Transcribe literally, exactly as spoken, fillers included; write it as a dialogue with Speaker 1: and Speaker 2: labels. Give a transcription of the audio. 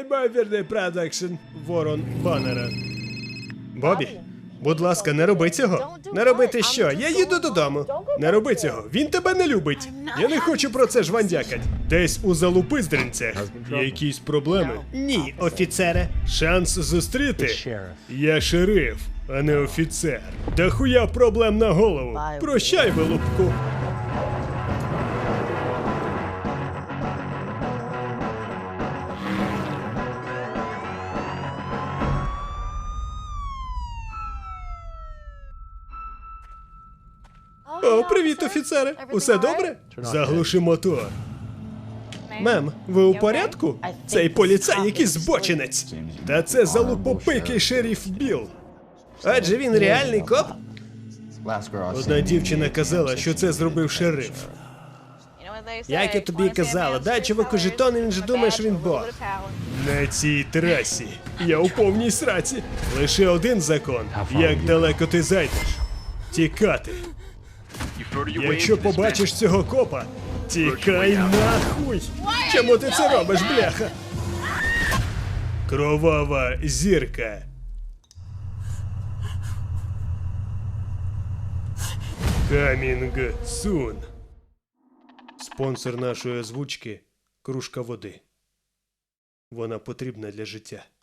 Speaker 1: Неймовірний продакшн. Ворон Баннера. Бобі, будь ласка, не роби цього. Не робити що? Я їду додому. Не роби цього. Він тебе не любить. Я не хочу про це жвандякать. Десь у залупиздринцях. Якісь проблеми? Ні, офіцере. Шанс зустріти? Я шериф, а не офіцер. Да хуя проблем на голову. Прощай, вилупку. О, привіт, офіцере. Усе добре? Заглуши мотор. Мем, ви у порядку? Цей поліцай якийсь збочинець. Та це залупопикий шериф Білл. Адже він реальний коп? Одна дівчина казала, що це зробив шериф. Як я тобі і казала, дай чуваку жетони, він же думає, що він бог. На цій трасі я у повній сраці. Лише один закон. Як далеко ти зайдеш? Тікати. Якщо побачиш цього копа, тікай нахуй! Чому ти це робиш, бляха? Кровава зірка. Coming soon. Спонсор нашої озвучки – кружка води. Вона потрібна для життя.